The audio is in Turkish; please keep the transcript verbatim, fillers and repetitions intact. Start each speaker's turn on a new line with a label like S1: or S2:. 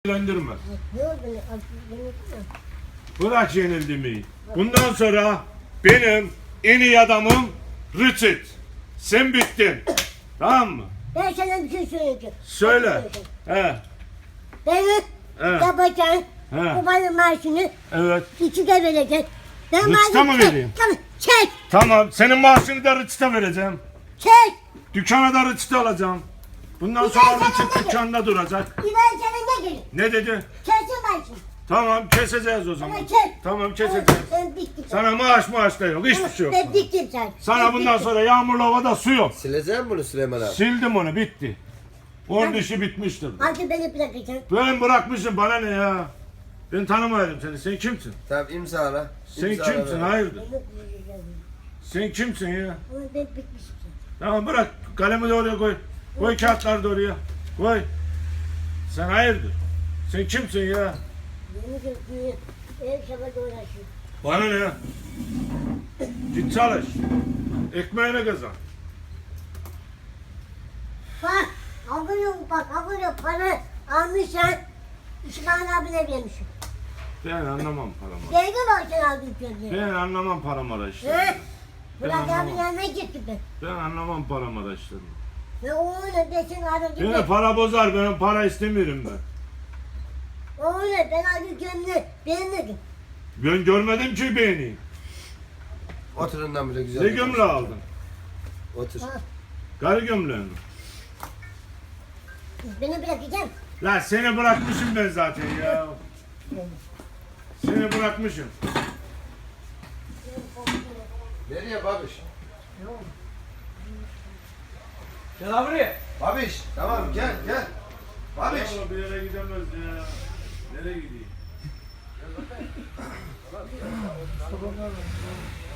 S1: ilgilendirmez.
S2: Ne oldu? Yenildi mi?
S1: Bırak yenildiğimi. Bundan sonra benim en iyi adamım Richard. Sen bittin. Tamam mı?
S2: Ben sana bir şey söyleyeceğim.
S1: Söyle. He.
S2: Beni
S1: Evet.
S2: yapacaksın.
S1: He.
S2: Babanın maaşını
S1: Evet.
S2: içine vereceksin. Ben
S1: Rıçta
S2: maaşını
S1: mı
S2: çek.
S1: vereyim?
S2: Tamam çek.
S1: Tamam. Senin maaşını da Richard'a vereceğim.
S2: Çek.
S1: Dükkana da Richard'a alacağım. Bundan
S2: Bir
S1: sonra
S2: ben sana
S1: Richard
S2: dedim.
S1: dükkanda duracak.
S2: Bir ben sana ne gelin?
S1: Ne dedi?
S2: Kesin maaşını.
S1: Tamam keseceğiz o zaman.
S2: Ama kes.
S1: Tamam keseceğiz.
S2: Ben bittim.
S1: Sana maaş maaş da yok. Hiçbir şey yok.
S2: Ben bittim sen.
S1: Sana
S2: Ben
S1: bundan
S2: bittim.
S1: sonra yağmurlu havada su yok.
S3: Sileceğim bunu Süleyman abi.
S1: Sildim onu bitti. Onun işi bitmiştir.
S2: Artık beni bırakacaksın.
S1: Ben bırakmışım bana ne ya? Ben tanımıyorum seni. Sen kimsin?
S3: Tamam imzala.
S1: Sen
S3: İmzala
S1: kimsin?
S3: ver.
S1: Hayırdır?
S2: Beni bırakacaksın.
S1: Sen kimsin ya?
S2: Ama ben bitmişim.
S1: Tamam bırak. Kalemi de oraya koy. Koy kağıtları da oraya. Koy. Sen hayırdır? Sen kimsin ya?
S2: Beni götürüyor. Ev şabada uğraşıyor.
S1: Bana ne? Git çalış. Ekmeğine kazan.
S2: Bak, alıyor bak, alıyor para almışsan İsmail abine vermişim.
S1: Ben anlamam paramı.
S2: Geldi mi sen aldın kendine?
S1: Ben anlamam paramı işte.
S2: He? Burak
S1: Ben
S2: abinin
S1: anlamam.
S2: yanına gittim ben.
S1: Ben anlamam paramı işte.
S2: Ve oğlum ben seni aradım.
S1: Beni
S2: Ben.
S1: para bozar. Ben para istemiyorum ben.
S2: Oğlum ben aldım kendine beğenmedim.
S1: Ben görmedim ki beni.
S3: Oturundan bile güzel.
S1: Ne
S3: bir
S1: gömle
S3: konuşma.
S1: aldın?
S3: Otur.
S2: Ha,
S1: Karı gömleği mi?
S2: beni bırakacaksın.
S1: Lan seni bırakmışım ben zaten ya. Seni bırakmışım.
S3: Nereye babiş?
S4: Gel abi buraya.
S3: Babiş tamam gel gel. Babiş.
S1: Vallahi bir yere gidemez ya. Nereye gideyim?